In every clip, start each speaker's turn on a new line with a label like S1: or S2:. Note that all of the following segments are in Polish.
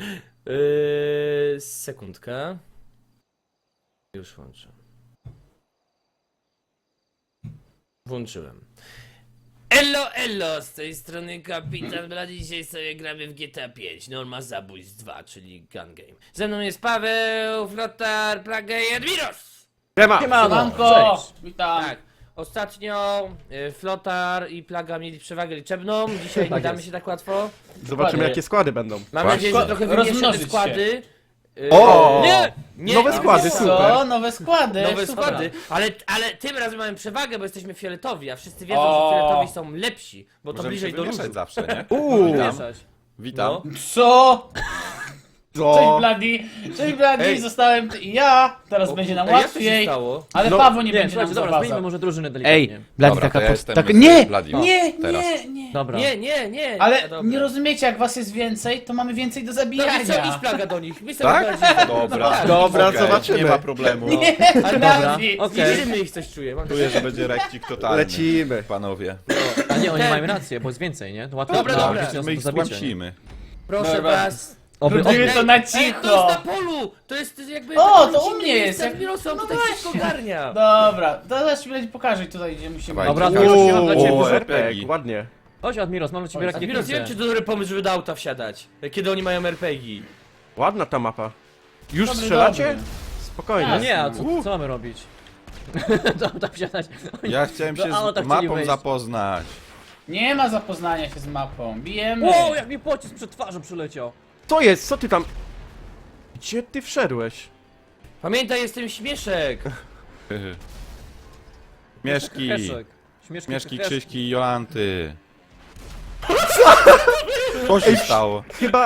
S1: Sekundkę. Już włączę. Włączyłem. Elo, z tej strony Kapitan Blady. Dzisiaj sobie gramy w GTA 5, Norma Zabójstw 2, czyli Gun Game. Ze mną jest Paweł, Flotar, Plaga i Admiros!
S2: Siemanko! Witam!
S1: Tak, ostatnio Flotar i Plaga mieli przewagę liczebną, dzisiaj nie damy się tak łatwo.
S3: Zobaczymy jakie składy będą.
S1: Mam nadzieję, że trochę wymieszymy
S2: Rozmnożyć
S1: składy.
S3: O!
S1: Nie!
S3: Nowe składy,
S1: nie,
S3: super.
S2: Co? Nowe składy!
S1: Nowe
S2: super.
S1: składy, ale tym razem mamy przewagę, bo jesteśmy fioletowi, a wszyscy wiedzą, że fioletowi są lepsi, bo to
S4: Możemy
S1: bliżej
S4: się
S1: do
S4: wymieszać
S1: różu.
S4: zawsze, nie?
S3: Witam.
S4: Witam.
S1: No.
S2: Co? Cześć
S3: Co?
S2: Blady! Cześć Blady!
S1: Ej.
S2: Zostałem ja! Teraz będzie nam
S1: Ej, jak to się
S2: łatwiej!
S1: stało?
S2: Ale
S3: No,
S2: Paweł nie
S5: Nie,
S2: będzie nam
S5: słuchajcie, dobra, zmieńmy
S2: zawadzał.
S5: może drużynę delikatnie.
S2: Ej, Blady
S4: Dobra, to ja jestem
S2: Nie!
S4: Blady.
S2: Nie,
S4: teraz.
S2: nie!
S5: Dobra.
S1: Nie.
S2: Ale
S1: dobra.
S2: nie rozumiecie, jak was jest więcej, to mamy więcej do
S1: No i co, idź
S2: zabijania!
S1: Plaga do nich, my sobie
S4: Tak?
S1: poradzimy.
S4: Dobra.
S1: tak.
S3: Dobra,
S4: Okej,
S3: zobaczymy.
S4: Nie ma problemu.
S1: Ale
S5: Dobra,
S2: Blady.
S5: okej.
S1: Widzimy ich, coś czuję. Mam
S4: Czuję, że będzie rekcik totalny.
S3: Lecimy.
S4: Panowie.
S5: A nie, oni
S1: Ten.
S5: mają rację, bo jest więcej, nie? To łatwo.
S1: Dobra,
S5: to
S1: dobra.
S5: jest
S4: My ich
S5: do zabicia, nie?
S4: stłamsimy.
S1: Proszę
S2: Dobra.
S1: was.
S2: Robimy to na
S1: Ej, to jest
S2: cicho!
S1: na polu! To jest jakby...
S2: O, to u mnie jest, jak-
S1: Admirosa, on
S2: no
S1: tutaj wszystko
S2: właśnie.
S1: ogarnia.
S2: Dobra, to zaraz ci Blady pokażę tutaj, gdzie musimy...
S4: Dawaj.
S5: Dobra,
S4: Uuu,
S5: to już mam dla ciebie
S4: o,
S5: dużo.
S4: RPG.
S3: Ładnie.
S5: Chodź Admiros, mam dla ciebie
S2: Chodź,
S1: Admiros, nie wiem, czy to dobry pomysł, żeby do auta wsiadać, kiedy oni mają RPG.
S3: Ładna ta mapa. Już
S2: Dobry,
S3: strzelacie?
S2: dobry.
S3: Spokojnie.
S5: No nie, a co mamy robić? Tam wsiadać.
S4: Ja chciałem się
S5: Do auta
S4: z
S5: chcieli
S4: mapą
S5: wejść.
S4: zapoznać.
S2: Nie ma zapoznania się z mapą, bijemy!
S5: Wow, jak mi pocisk przed twarzą przyleciał.
S3: Co jest? Co ty tam? Gdzie ty wszedłeś?
S1: Pamiętaj, jestem śmieszek.
S4: Mieszki.
S5: Heszek.
S4: Mieszki, Krzyśki i Jolanty. Co się stało?
S3: Chyba...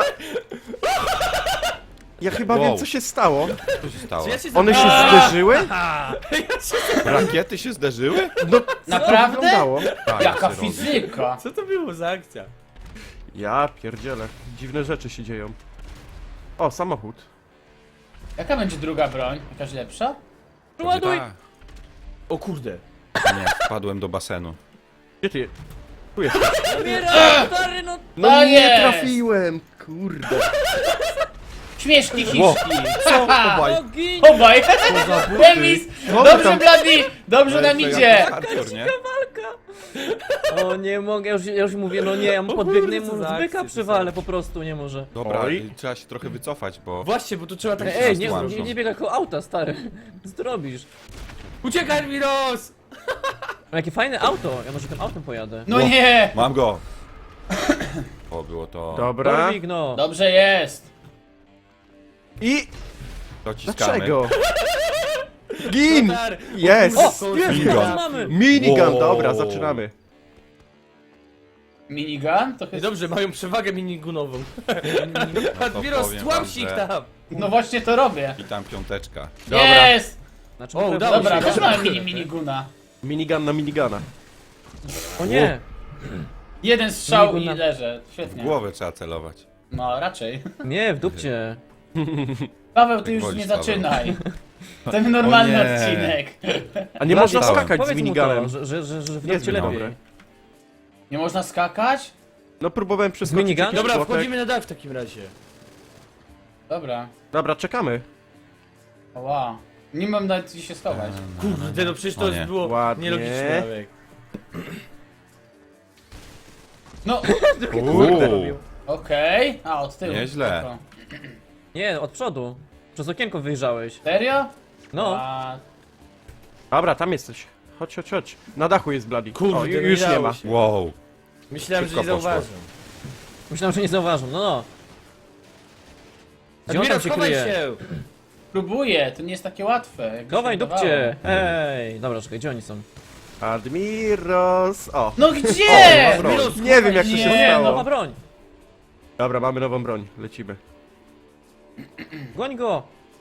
S3: Ja chyba
S4: Wow.
S3: wiem co się stało.
S4: Co się stało?
S1: Czy ja się
S3: One się
S1: zapomniałem?
S3: zderzyły?
S4: Rakiety się zderzyły?
S3: No,
S2: Naprawdę?
S3: to wyglądało.
S4: Tak,
S2: Jaka
S4: się robi.
S2: fizyka!
S1: Co to było za akcja?
S3: Ja pierdzielę. Dziwne rzeczy się dzieją. O, samochód.
S2: Jaka będzie druga broń? Jakaś lepsza?
S5: Ładuj!
S4: Tak.
S1: O kurde.
S4: Nie, wpadłem do basenu.
S3: Gdzie ty? Tu jest.
S5: Admiros, stary, no.
S3: No
S2: Tak
S3: nie
S2: jest!
S3: trafiłem. Kurde.
S2: Śmieszki hiszki!
S5: O, gin!
S2: Obaj! Remis!
S3: Co wy
S2: Dobrze
S3: tam-
S2: Blady! Dobrze nam
S4: To
S2: idzie!
S4: jak Artur, nie?
S5: O, nie mogę, ja już mówię, no nie, ja mu podbiegnę,
S1: kurde, co
S5: mu
S1: za
S5: zbyka
S1: akcje to
S5: przywalę po prostu, nie może.
S4: Dobra,
S3: Oj.
S4: trzeba się trochę wycofać, bo...
S1: Właśnie, bo tu trzeba tak...
S5: Ej, nie,
S4: Złamszą.
S5: nie biegaj koło auta, stary. Co ty robisz?
S1: Uciekaj, Admiros!
S5: O, jakie fajne auto, ja może tym autem pojadę.
S2: No nie!
S4: Mam go! O, było to...
S3: Dobra.
S5: Dorwik, no.
S2: Dobrze jest!
S3: I...
S4: Dociskamy.
S3: Dlaczego? Gin!
S1: Flotar,
S3: Jest!
S1: o
S5: O,
S1: kurde,
S5: jest,
S4: Minigun.
S5: teraz mamy!
S3: Minigun,
S4: Wow.
S3: dobra, zaczynamy.
S2: Minigun? To
S1: I
S2: jest...
S1: dobrze, mają przewagę minigunową.
S4: to
S1: Admiros,
S4: powiem
S1: tłamsi ich
S4: wam, że-
S1: tam.
S2: No właśnie to robię.
S4: I tam piąteczka.
S3: Dobra.
S2: Jest!
S5: Znaczy,
S1: O,
S5: może-
S1: udało
S2: Dobra,
S1: się.
S2: też mamy miniguna.
S3: Minigun na minigana.
S5: O nie!
S2: Jeden strzał
S5: Miniguna.
S2: i leżę.
S4: W
S2: Świetnie.
S4: głowę trzeba celować.
S2: No, raczej.
S5: Nie, w dupcie.
S2: Paweł, ty
S4: Tak
S2: już
S4: wolisz,
S2: nie
S4: Paweł.
S2: zaczynaj. To normalny
S4: O nie.
S2: odcinek.
S3: A nie można
S4: Stałem.
S3: skakać z
S5: Powiedz mu
S3: miniganem.
S5: to, że w
S3: Nie
S5: dupcie
S3: jest
S5: lepiej.
S3: dobre.
S2: Nie można skakać?
S3: No próbowałem przeskoczyć
S5: minigun?
S3: jakiś
S1: Dobra,
S3: płotek.
S1: wchodzimy na dach w takim razie.
S2: Dobra.
S3: Dobra, czekamy.
S2: Oła. Nie mam nawet gdzie się schować.
S1: Kurde, no przecież to
S4: O nie.
S1: było
S3: Ładnie.
S1: nielogiczne. Alek.
S2: No,
S4: Uuu.
S2: okej. A, od tyłu.
S4: Nieźle.
S2: Spoko.
S5: Nie, od przodu. Przez okienko wyjrzałeś.
S2: Serio?
S5: No.
S2: A,
S3: Dobra, tam jesteś. Chodź, chodź, chodź. Na dachu jest Bloody.
S1: Kurde,
S3: O,
S1: no
S3: już nie
S1: dało
S3: ma.
S1: się.
S4: Wow.
S1: Myślałem, że
S4: Szybko
S1: nie
S4: poszło.
S1: zauważą.
S5: Myślałem, że nie zauważą, no no. Gdzie on tam
S1: Admiros,
S5: się
S1: chowaj
S5: kryje?
S1: się!
S2: próbuję, to nie jest takie łatwe. jakby się
S5: Chowaj
S2: wydawało.
S5: dupcie! Ej, dobra, czekaj, gdzie oni są?
S3: Admiros. O.
S2: No gdzie?
S1: Admiros,
S3: Nie wiem jak to
S2: Nie,
S3: się
S2: no,
S5: Nowa
S3: stało.
S5: broń!
S3: Dobra, mamy nową broń. Lecimy.
S5: Goń go!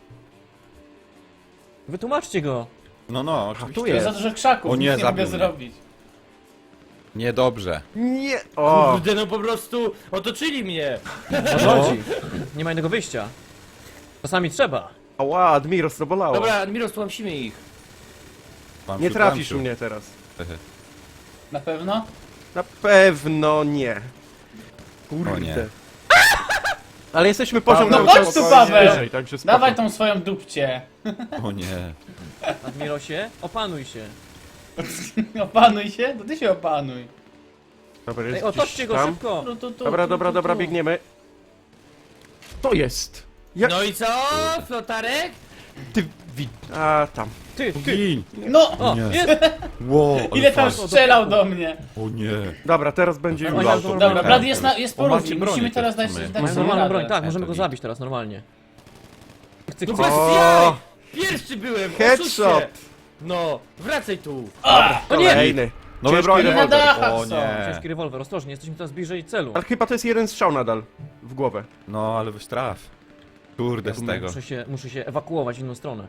S5: Wytłumaczcie go!
S4: No,
S3: tu
S2: To
S4: oczywiście.
S2: jest za dużo krzaków,
S4: O nie,
S2: nic nie mogę
S4: zabił mnie.
S2: zrobić.
S4: Niedobrze.
S3: Nie. O.
S1: Kurde, no po prostu otoczyli mnie!
S5: O co chodzi? Nie ma innego wyjścia. Czasami trzeba.
S3: Ała, Admiros, to bolało.
S1: Dobra, Admiros, tłamsimy ich.
S4: Mam
S3: Nie
S4: się
S3: trafisz
S4: tłamsił.
S3: mnie teraz.
S2: Na pewno?
S3: Na pewno nie. Kurde.
S4: O nie.
S3: Ale jesteśmy poziom
S2: No
S3: cały
S2: chodź
S3: czas
S2: tu, Paweł!
S3: wyżej, także spoko.
S2: Dawaj tą swoją dupcie.
S4: O nie.
S5: Admirosie, opanuj się.
S2: Opanuj się? To ty się opanuj.
S3: Dobra, jest
S5: Ej,
S3: gdzieś
S5: otoczcie go
S3: tam.
S5: szybko.
S3: Dobra, biegniemy. To jest! Jak
S1: No i co, flotarek?
S3: ty A, tam.
S5: Ty.
S4: Gin!
S2: No!
S5: O,
S4: Nie.
S5: jest!
S4: Wow, ale
S2: Ile tam
S4: fajnie.
S2: strzelał do mnie?
S4: O nie.
S3: Dobra, teraz będzie
S5: Oni
S3: już.
S5: mają dobrą
S2: Dobra,
S5: broń.
S2: Blady jest po
S4: On ma
S2: równi.
S4: ci broni
S2: Musimy teraz
S4: też
S2: dać
S4: w sumie.
S2: dać
S5: Mają
S2: sobie
S5: normalną
S2: radę.
S5: broń, tak, możemy go
S4: to
S5: zabić teraz normalnie. Chcę,
S1: No
S5: chcę.
S1: bez
S3: O!
S1: jaj! Pierwszy byłem,
S3: Headshot!
S1: oszuście. No, wracaj tu.
S5: O nie!
S3: Kolejny.
S4: Nowe
S3: Ciężki
S4: broń,
S2: na
S3: rewolwer.
S2: dachach
S4: O
S2: są.
S4: nie.
S5: Ciężki rewolwer, ostrożnie, jesteśmy teraz bliżej celu.
S3: Ale chyba to jest jeden strzał nadal. W głowę.
S4: No, ale weź traf. Kurde, z tego.
S5: Muszę się ewakuować w inną stronę.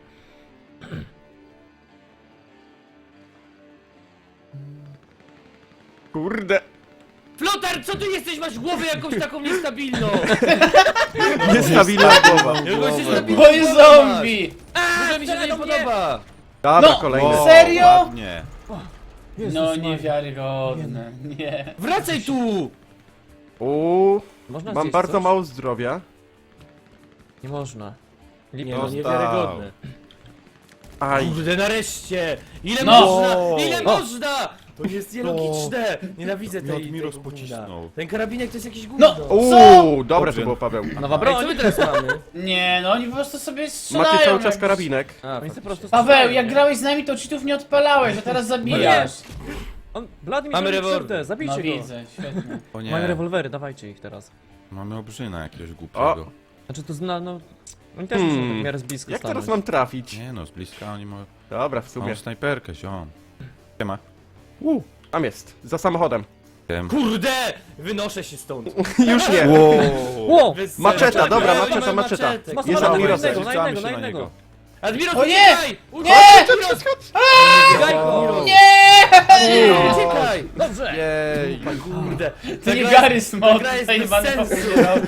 S3: Kurde.
S1: Flotar, co ty jesteś? Masz głowę jakąś taką niestabilną.
S3: Niestabilna głowa.
S1: Jakąś niestabilną
S2: Bo jest
S1: głowę masz.
S2: zombie!
S1: Może mi się to nie podoba.
S3: Dobra,
S2: No!
S3: kolejny.
S2: O! Serio?
S4: Ładnie.
S5: Jezus
S2: No
S5: Maria.
S2: niewiarygodne, nie.
S1: Wracaj tu.
S3: Uuu,
S5: Można
S3: mam
S5: zjeść
S3: bardzo
S5: coś?
S3: mało zdrowia.
S5: Nie można.
S1: Nie
S5: Lipa.
S1: no, niewiarygodne.
S3: Aj.
S1: Kurde, nareszcie! Ile
S2: No.
S1: można? Ile
S5: O.
S1: można? To jest nielogiczne! Nienawidzę
S4: No,
S1: tej
S4: Admiros
S1: tego gówna.
S4: pocisnął.
S1: Ten karabinek to jest jakieś gówno.
S2: No.
S3: Uuu, dobre
S4: Dobrze.
S3: to było, Paweł.
S5: Nowa
S1: Ej,
S5: broń!
S1: co my teraz mamy?
S2: Nie, no oni po prostu sobie strzelają.
S3: Macie cały czas
S2: jakby-
S3: karabinek.
S1: A,
S5: Oni sobie po prostu
S2: Paweł,
S5: strzelają,
S2: jak
S5: nie?
S2: grałeś z nami, to cheatów nie odpalałeś, a teraz zabijasz.
S5: Blady mi
S1: Mamy
S5: zrobił
S1: rewolwer.
S5: krzywdę, zabijcie
S2: No
S5: go.
S2: widzę, świetnie.
S4: O
S5: Mają
S4: nie.
S5: rewolwery, dawajcie ich teraz.
S4: Mamy obrzyna jakiegoś głupiego.
S5: Znaczy to zna, no... Oni też muszą tak w miarę z bliska
S3: Jak
S5: stanąć.
S3: teraz mam trafić?
S4: Nie no, z bliska oni mają...
S3: Dobra, w sumie.
S4: Mam snajperkę, ziom. Siema.
S3: Tam jest, za samochodem.
S4: Wiem.
S1: Kurde! Wynoszę się stąd.
S3: Już nie.
S5: Ło!
S1: Bez
S3: Maczeta,
S1: sensu.
S3: dobra,
S1: Oni
S3: maczeta,
S1: mają
S3: maczeta.
S1: maczetę.
S5: Masz
S3: Jest
S5: na
S3: Admirosem.
S5: jednego, na
S4: Rzucamy
S5: jednego,
S4: się
S5: na
S4: na
S5: jednego.
S4: niego.
S1: Admiros,
S2: O nie!
S1: uciekaj!
S2: Nie!
S1: Admiros! Uciekaj, Admiros!
S2: Nie!
S1: Uciekaj!
S5: Dobrze!
S3: Jej.
S1: Kurde.
S2: To nie
S1: gra
S2: Gary
S1: jest-
S2: Smog,
S1: ta gra jest
S2: tutaj
S1: bez
S2: pan
S1: sensu.
S2: powiedział.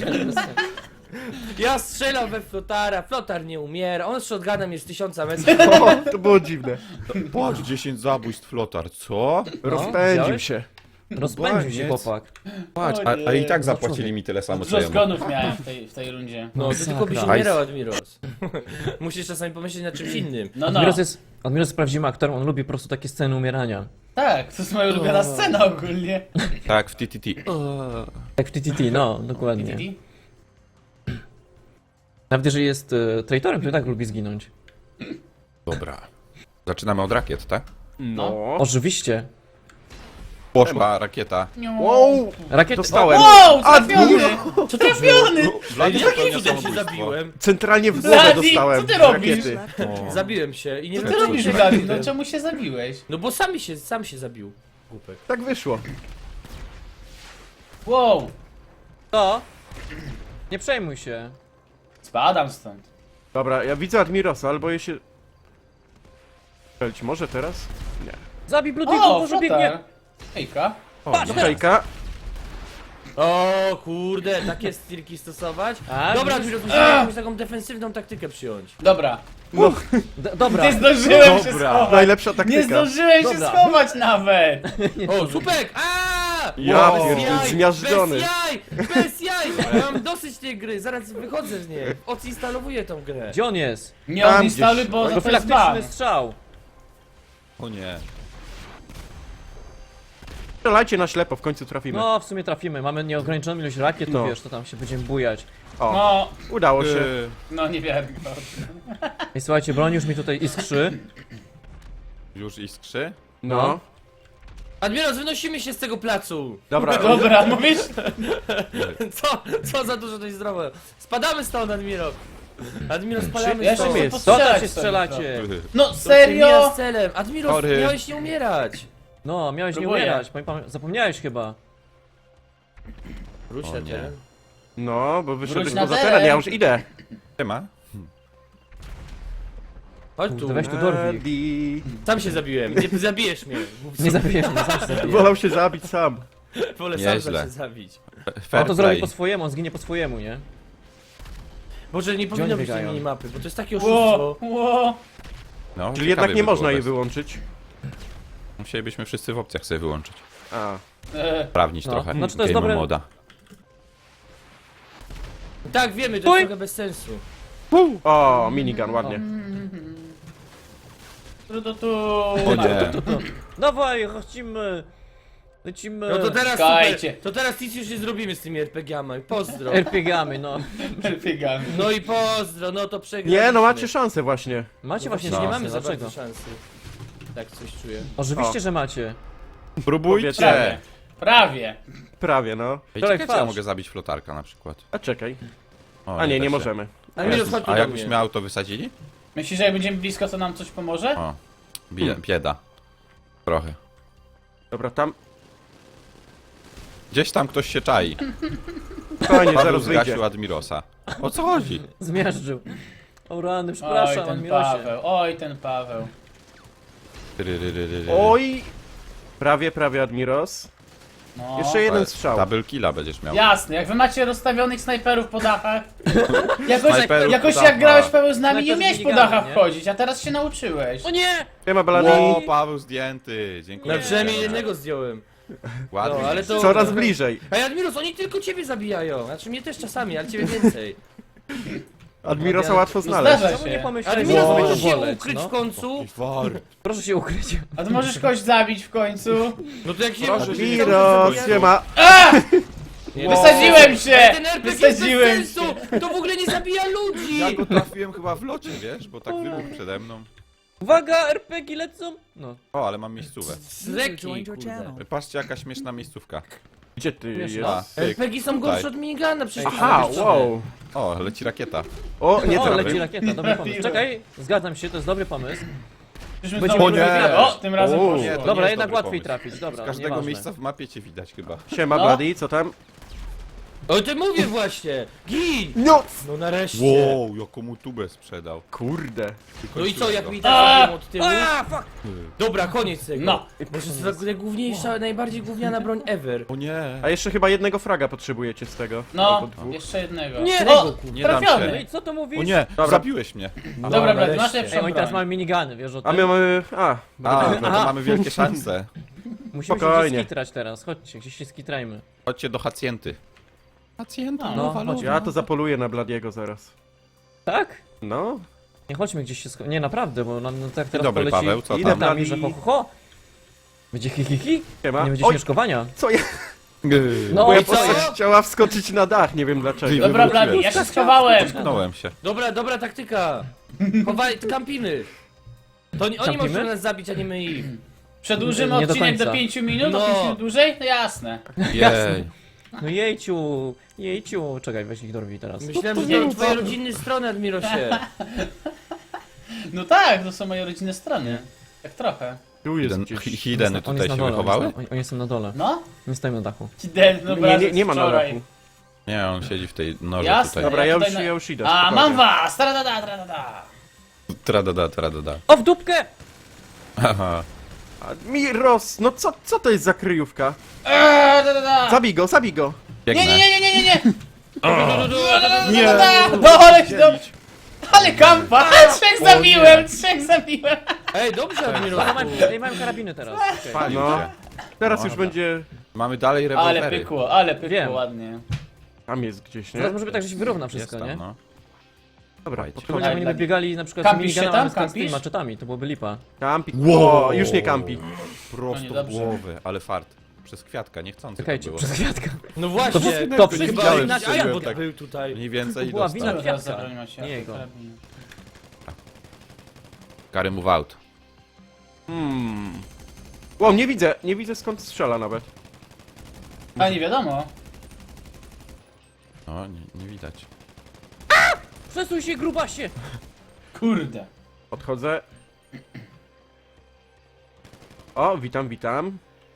S1: Ja strzelam we Flotara, Flotar nie umiera, on z shotgunem jest 1000 metrów.
S3: O, to było dziwne.
S4: Patrz, 10 zabójstw flotar, co?
S3: Rozpędził
S5: widziałeś?
S3: się.
S5: Rozpędził się
S4: Koniec.
S5: chłopak.
S4: Patrz,
S2: O nie.
S4: a i tak zapłacili mi tyle samo co
S2: Dużo
S4: jemu.
S2: zgonów miałem w tej rundzie.
S1: No, ty tylko byś
S5: Masakra.
S1: umierał, Admiros. Musisz czasami pomyśleć nad czymś innym.
S2: No, no.
S5: Admiros jest prawdziwym aktorem, on lubi po prostu takie sceny umierania.
S2: Tak, to jest moja ulubiona scena ogólnie.
S4: Tak, w TTT.
S5: Jak w TTT, no, dokładnie.
S2: Widzieli?
S5: Nawet jeżeli jest traitorem, to i tak lubi zginąć.
S4: Dobra. Zaczynamy od rakiet, tak?
S3: No.
S5: Oczywiście.
S4: Poszła rakieta.
S3: Wow,
S5: Rakiety...
S3: dostałem.
S2: Wow, trafiony!
S1: Co trafiony?
S4: Vladi
S1: Jakim
S4: popełnia
S1: cudem się
S4: samobójstwo.
S1: zabiłem?
S3: Centralnie w głowę
S2: Blady,
S3: dostałem.
S2: co ty robisz?
S3: Rakiety.
S4: O.
S1: Zabiłem się i nie
S2: Co
S1: wiem
S2: ty
S1: czemu
S2: robisz,
S1: się
S2: Gary?
S1: zabiłem.
S2: No czemu się zabiłeś?
S1: No bo sam się zabił, głupek.
S3: Tak wyszło.
S2: Wow,
S5: To? Nie przejmuj się.
S2: spadam stąd.
S3: Dobra, ja widzę Admirosa, ale boję się... Strzelić może teraz? Nie.
S5: Zabij Bloody'ego,
S2: O,
S5: może biegnie.
S2: flotar. Hejka.
S3: O, no hejka.
S1: O kurde, takie stilki stosować?
S5: A,
S1: Dobra,
S5: widzisz?
S1: Admiros, musimy jakąś taką defensywną taktykę przyjąć.
S2: Dobra.
S3: No,
S5: Dobra.
S2: Nie zdążyłem się
S4: Dobra.
S2: schować.
S3: najlepsza
S2: Nie
S3: taktyka.
S2: zdążyłem się
S5: Dobra.
S2: schować nawet.
S1: O, supek! Aaa!
S3: Ja
S1: Bez
S3: pierdzielę,
S1: jaj,
S3: zmiażdżony.
S1: Bez jaj! Bez jaj! Ja mam dosyć tej gry, zaraz wychodzę z niej. Odinstalowuję tą grę.
S5: Gdzie on jest?
S2: Nie
S3: Tam
S2: odinstaluj,
S3: gdzieś.
S2: bo to jest ban.
S5: Profilaktyczny strzał.
S4: O nie.
S3: Strzelajcie na ślepo, w końcu trafimy.
S5: No, w sumie trafimy. Mamy nieograniczoną ilość rakiet, to
S3: No.
S5: wiesz, to tam się będziemy bujać.
S3: O,
S2: No,
S3: udało się.
S2: no niewiarygodne.
S5: Ej, słuchajcie, broń już mi tutaj iskrzy.
S4: Już iskrzy?
S3: No.
S1: Admiros, wynosimy się z tego placu!
S3: Dobra,
S2: Dobra, mówisz?
S1: Co za dużo to jest zdrowe. Spadamy stąd, Admiro. Admiro, spadamy
S2: Ja się
S1: stąd.
S2: chcę
S3: jest?
S5: Co tam
S2: postrzelać
S5: się
S2: sobie
S5: strzelacie?
S2: No
S1: To się
S2: serio?
S1: mija z celem. Admiro,
S4: Sorry.
S1: miałeś nie umierać.
S5: No, miałeś nie
S2: Próbuję.
S5: umierać. Zapomniałeś chyba.
S1: Wróć
S4: O
S1: na
S4: nie.
S1: teren.
S3: No, bo wyszedłeś
S2: Wróć na
S3: poza
S2: teren.
S3: teren, ja już idę.
S4: Siema.
S1: Chodź tu.
S5: Kurde, weź tu dorwij.
S3: Adi.
S1: Sam się zabiłem. Nie zabijesz mnie.
S5: Nie zabijesz mnie, sam się zabijesz.
S3: Wolał się zabić sam.
S1: Wolę sam
S4: Nieźle.
S1: się zabić.
S4: Fair
S5: On to zrobi
S4: play.
S5: po swojemu, on zginie po swojemu, nie?
S1: Boże, nie powinno
S5: oni
S1: być tej
S5: biegają?
S1: minimapy, bo to jest takie
S2: Ło,
S1: oszustwo.
S2: ło.
S4: No,
S3: Czyli
S4: ciekawie
S3: jednak nie
S4: by było
S3: można jej
S4: bez-
S3: wyłączyć.
S4: Musielibyśmy wszyscy w opcjach sobie wyłączyć.
S3: A.
S4: Sprawnić
S5: No,
S4: trochę
S5: znaczy to jest
S4: game
S5: dobre-
S4: moda.
S1: Tak, wiemy, to
S5: Stój!
S1: jest trochę bez sensu.
S3: O, minigun, ładnie.
S2: Tu.
S4: O nie.
S5: Dawaj, lecimy. Lecimy.
S1: No to teraz
S2: Czekajcie.
S1: super. To teraz nic już nie zrobimy z tymi RPG-ami. Pozdro.
S5: RPG-ami, no.
S2: Biegamy.
S1: No i pozdro, no to przegraliśmy.
S3: Nie, no macie szansę właśnie.
S5: Macie właśnie
S1: Nie
S5: szansę,
S1: mamy za
S5: dlaczego?
S1: bardzo szansy. Tak coś czuję.
S5: Oczywiście,
S3: O.
S5: że macie.
S4: Próbujcie.
S2: Prawie. Prawie.
S3: Prawie, no.
S4: Ej,
S5: Tolek,
S4: czekajcie, ja
S5: patrz.
S4: mogę zabić flotarka na przykład.
S3: A czekaj.
S4: O,
S3: A nie,
S4: da
S3: nie
S4: się.
S3: możemy.
S1: Admiros, chodź tu
S4: A
S1: do
S4: jakbyśmy
S1: mnie.
S4: auto wysadzili?
S2: Myślisz, że jak będziemy blisko, to nam coś pomoże?
S4: O, bieda. Trochę.
S3: Dobra, tam.
S4: Gdzieś tam ktoś się czai.
S3: Spokojnie,
S4: Paweł
S3: zaraz wyjdzie.
S4: zgasił Admirosa. O co chodzi?
S5: Zmiażdżył. O rany,
S2: Oj,
S5: przepraszam,
S2: ten
S5: Admirosie.
S2: Paweł, oj, ten Paweł.
S3: Oj! Prawie, Admiros.
S2: No.
S3: Jeszcze jeden strzał.
S4: Double killa będziesz miał.
S2: Jasne, jak wy macie rozstawionych snajperów po dachach.
S4: Snajperów
S2: Jakoś
S4: po
S2: jak
S4: dachach.
S2: grałeś Paweł z nami, nie
S5: Snajper z
S2: umiałeś po
S5: miniganem,
S2: dachach
S5: nie?
S2: wchodzić, a teraz się nauczyłeś.
S5: O nie!
S3: Siema, Baladi.
S4: O, Paweł zdjęty. Dziękuję.
S1: No przynajmniej jednego zdjąłem.
S4: Ładnie.
S1: No, ale to...
S3: Coraz bliżej.
S1: Ej, Admiros, oni tylko ciebie zabijają. Znaczy mnie też czasami, ale ciebie więcej.
S3: Admirosa łatwo znaleźć.
S2: Zdarza
S5: Czemu nie
S2: się.
S5: pomyślałeś, że
S1: Admiros,
S5: mamy
S1: możesz
S5: to
S1: się
S5: boleć,
S1: ukryć
S5: no?
S1: w końcu?
S5: Proszę się ukryć.
S2: A ty możesz kogoś zabić w końcu?
S1: No to jak się...
S4: Proszę się nie
S3: Admiros,
S4: ukryć.
S3: siema.
S1: Nie,
S2: Wysadziłem się!
S1: Ale ten RPG jest bez
S2: Wysadziłem
S1: sensu!
S2: się!
S1: To w ogóle nie zabija ludzi!
S4: Ja go trafiłem chyba w locie, wiesz? Bo tak wybuchł przede mną.
S5: Uwaga, RPG lecą! No.
S4: O, ale mam miejscówę.
S1: Z reki, kurde.
S4: Patrzcie, jaka śmieszna miejscówka.
S3: Gdzie ty
S5: Wiesz,
S3: jest?
S4: A, pyk.
S1: RPG są gorsze od minigana, przecież to
S3: Aha,
S1: są
S3: wow.
S4: O, leci rakieta.
S3: O, nie
S5: o, leci
S3: trafię.
S5: rakieta, dobry pomysł. Czekaj, zgadzam się, to jest dobry pomysł.
S2: Czyżby
S5: Będzie-
S2: znowu
S5: O nie!
S2: drugi- O, tym razem
S3: O,
S2: poszło.
S4: nie, to
S5: Dobra,
S4: jest
S5: jednak
S4: dobry
S5: łatwiej
S4: pomysł.
S5: trafić,
S4: Z
S5: dobra,
S4: każdego
S5: nieważne.
S4: miejsca w mapie cię widać chyba.
S3: Siema,
S2: No.
S3: Bloody, co tam?
S1: O ty mówię właśnie! Gin!
S3: No!
S1: No nareszcie!
S4: Wow, jaką mu tubę sprzedał.
S3: Kurde.
S1: No i co, jak mi
S2: A!
S1: tak zabiją od tyłu?
S5: A, fuck!
S1: Dobra, koniec tego.
S2: No.
S1: Może to jest najgłówniejsza, najbardziej gówniana broń ever.
S4: O nie.
S3: A jeszcze chyba jednego fraga potrzebujecie z tego.
S2: No,
S3: Albo dwóch.
S2: jeszcze jednego.
S5: Nie,
S2: O,
S4: nie dam
S5: No
S2: trafiony.
S5: i co to mówisz?
S4: O nie,
S3: Dobra.
S4: zabiłeś mnie.
S2: Dobra, brat, masz
S1: nareszcie.
S2: lepszą
S5: Ej, oni teraz
S2: broń.
S5: mamy minigany, wiesz o tym?
S3: A my mamy... A,
S4: A, no to
S5: Aha.
S4: mamy wielkie szanse.
S5: Musimy się
S3: Spokojnie.
S5: gdzieś skitrać teraz, chodźcie, gdzieś się skitrajmy.
S4: Chodźcie do hacjenty. Hacjenta,
S2: No,
S4: nowa,
S5: chodź.
S4: nowa.
S3: ja to zapoluję na Bladiego zaraz.
S5: Tak?
S3: No,
S5: Nie chodźmy gdzieś się Nie, naprawdę, bo no, tak teraz
S4: dobry,
S5: poleci
S4: Paweł, co
S3: tam?
S5: tam, że ho, ho, ho. Będzie hi, hi, hi.
S3: siema.
S5: Nie będzie
S3: Oj,
S5: śmieszkowania.
S3: co ja...
S5: No
S3: Moja
S5: i co?
S3: postać chciała wskoczyć na dach, nie wiem dlaczego.
S4: Ty,
S2: Dobra,
S4: wywróciłem.
S2: Bladi, ja się schowałem.
S4: Tknąłem się.
S1: Dobra taktyka. Chowaj, kampiny. To oni
S5: Kampimy?
S1: mogą nas zabić, a nie my ich.
S2: Przedłużymy
S5: Nie do
S2: odcinek do
S5: końca.
S2: 5 minut,
S1: No.
S2: do 5 minut dłużej? No jasne.
S4: Jej.
S5: No jejciu. Czekaj, weź ich dorwij teraz.
S1: Myślałem, że to twoje rodzinne strony, Admirosie.
S2: No tak, to są moje rodzinne strony. Tak trochę.
S3: Tu jest
S4: Hidden,
S3: gdzieś.
S4: hideny
S5: On
S4: tutaj
S5: jest na
S4: się
S5: dole,
S4: wychowały?
S5: Oni są na dole.
S2: No?
S5: Nie stoją na dachu.
S2: Ci den, no
S3: Nie ma na
S2: wczoraj.
S3: dachu.
S4: Nie, on siedzi w tej norze
S2: Jasne.
S4: tutaj.
S3: Dobra, ja
S2: tutaj
S3: już idę.
S2: A,
S3: spokojnie.
S2: mam was! Tradada.
S4: Tradada.
S5: O, w dupkę!
S4: Aha.
S3: Admiros, no co to jest za kryjówka?
S2: Tradada.
S3: Zabij go.
S4: Biegnę.
S2: Nie!
S4: Nie.
S2: No, ale kampa! Trzech zabiłem!
S1: Ej, dobrze, Admiros.
S5: Ja mają karabiny teraz. Okej.
S4: Palił
S3: No.
S4: się.
S3: Teraz
S4: No,
S3: już
S4: dobra.
S3: będzie...
S4: Mamy dalej
S2: Ale
S4: rewolwery.
S2: pykło,
S5: Wiem.
S2: ładnie.
S3: Tam jest gdzieś, nie?
S5: Teraz może być tak, że się wyrówna
S4: Jest
S5: wszystko,
S4: tam,
S5: nie?
S4: no.
S3: Dobra,
S4: Słuchajcie.
S5: Szczególnie jakby nie biegali na przykład
S2: Kampisz się
S5: minigunami
S2: tam?
S5: z tymi
S2: Kampisz?
S5: maczetami, to byłoby lipa.
S3: Kampi.
S4: Wow.
S3: O, już nie kampi.
S4: Prosto w
S2: dobrze.
S4: głowę, ale fart. Przez kwiatka, niechcący to
S5: Czekajcie,
S4: było.
S5: przez kwiatka.
S1: No właśnie,
S5: To
S1: chyba
S4: widziałem,
S1: inaczej
S4: strzeliłem
S1: bo
S4: tak.
S1: był tutaj.
S4: Mniej więcej
S5: To była
S4: dostał.
S5: wina
S2: Co teraz za
S5: kwiatka.
S2: broń macie?
S5: Nie jego.
S2: Karabiny.
S4: Carry move out.
S3: Wow, nie widzę skąd strzela nawet.
S2: A nie wiadomo.
S4: O, nie widać.
S5: Przesuń się, grubasie!
S2: Kurde.
S3: Odchodzę. O, witam.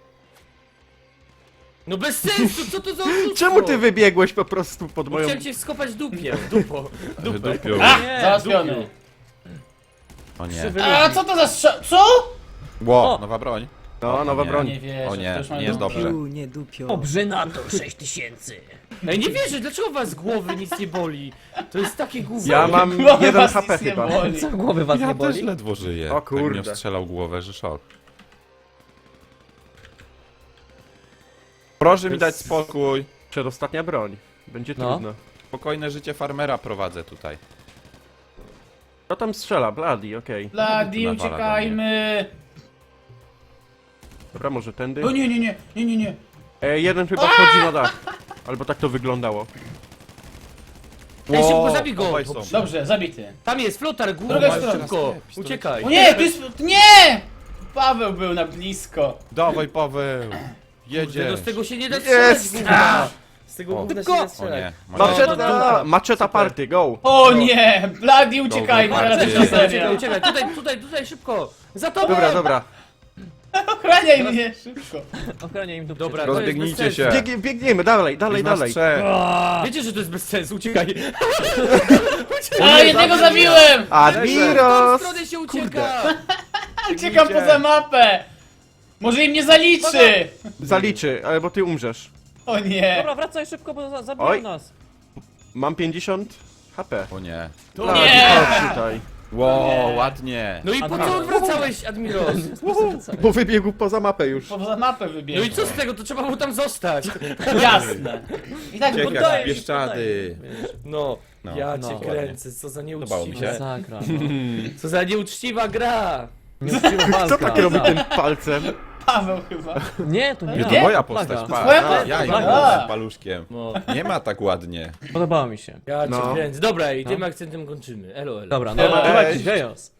S1: No bez sensu, co to za oszustwo?
S3: Czemu ty wybiegłeś po prostu pod moją...
S1: Chciałem cię skopać w dupie, dupo.
S4: Wydupił.
S2: A!
S5: Nie,
S2: Załatwiony.
S4: O nie.
S5: Krzywy
S2: A
S5: ludzi.
S2: co to za strzał? Co?
S4: Ło,
S5: O!
S4: nowa broń.
S3: No, nowa
S4: nie.
S3: broń.
S2: Nie wierzę.
S4: O nie,
S2: to już mamy
S4: nie jest
S2: dobrze.
S4: dobrze.
S6: Nie dupio.
S5: Obrzynator 6000.
S1: Ej, nie wierzę, dlaczego was z głowy nic nie boli? To jest takie gówno.
S3: Ja mam
S2: Głowy
S3: 1
S2: was
S3: HP
S2: nic nie
S3: chyba.
S2: boli.
S5: Co, głowy was
S4: Ja
S5: nie
S4: też
S5: boli?
S4: ledwo żyję.
S3: O kurde.
S4: Tak mnie strzelał głowę, że szok. Proszę mi dać spokój.
S3: Przedostatnia broń. Będzie
S5: No.
S3: trudno.
S4: Spokojne życie farmera prowadzę tutaj.
S3: Kto tam strzela? Bloody, okej.
S2: Bloody,
S4: Nawala do
S2: uciekajmy!
S3: Dobra, może tędy?
S2: O nie.
S3: Jeden chyba wchodzi na dach. Albo tak to wyglądało.
S1: Ej, szybko zabij go!
S4: obaj są.
S2: Dobrze, zabity.
S1: Tam jest flotar,
S2: Druga
S1: górę,
S2: strona.
S1: szybko!
S4: Pistolet.
S1: Uciekaj!
S2: O nie, tu jest... Nie! Paweł był na blisko.
S4: Dawaj, Paweł!
S1: Kurde,
S4: Jedziesz!
S1: no z tego się nie da strzelać,
S3: Jest!
S1: gówna! Z tego gówna się
S5: Tylko-
S1: nie da
S4: O
S1: strzelać.
S4: nie.
S3: Maczeta! Maczeta party, go!
S2: O nie! Bloody, uciekajmy,
S4: Dobra,
S2: teraz
S4: bardziej.
S2: już na
S1: Uciekaj,
S2: serio.
S1: uciekaj, tutaj, szybko! Za tobą!
S3: Dobra.
S2: Ochraniaj mnie, szybko.
S5: Ochrania im dupcie.
S1: Dobra, to jest
S4: Rozbiegnijcie
S1: bez
S4: się.
S1: sensu.
S3: Biegniemy, dalej.
S4: Jest nas trzech.
S1: Wiecie, że to jest bez sensu, uciekaj!
S2: A, jednego zabiłem!
S1: W
S3: Admiros!
S1: stronę się ucieka!
S2: Uciekam poza mapę! Może im nie zaliczy!
S3: Zaliczy, ale bo ty umrzesz.
S2: O nie!
S5: Dobra, wracaj szybko, bo zabiją
S3: Oj.
S5: nas.
S3: Mam 50 HP.
S4: O nie.
S3: Bloody,
S2: nie!
S3: chodź tutaj.
S4: Wow, ładnie.
S1: No i po co odwracałeś, Admiros?
S3: Bo wybiegł poza mapę już.
S2: Poza mapę
S1: No
S2: wybiegłem.
S1: i co z tego, to trzeba mu tam zostać.
S2: Jasne. I tak
S4: Ciek
S2: poddaję
S4: jak
S2: się.
S4: Bieszczady.
S1: No,
S4: No,
S1: ja
S5: no,
S1: cię
S5: ładnie.
S1: kręcę, co za
S4: Podobało mi
S1: nieuczciwe.
S4: się.
S5: Masakra.
S1: Co za nieuczciwa gra.
S5: Nieuczciwa walka.
S3: Kto tak robi tym palcem?
S2: Paweł chyba.
S5: Nie, to nie
S4: Nie,
S5: ja.
S4: to moja
S5: Plaga.
S4: postać,
S2: Twoja
S4: pa.
S2: postać?
S4: Ja
S2: A.
S4: im paluszkiem.
S1: No,
S4: Nie ma tak ładnie.
S5: Podobało mi się.
S1: ja cię
S3: No.
S1: kręcę. Dobra, i tym akcentem kończymy. Elo, elo.
S5: Dobra, no
S3: Cześć.
S5: dawajcie, Gejos.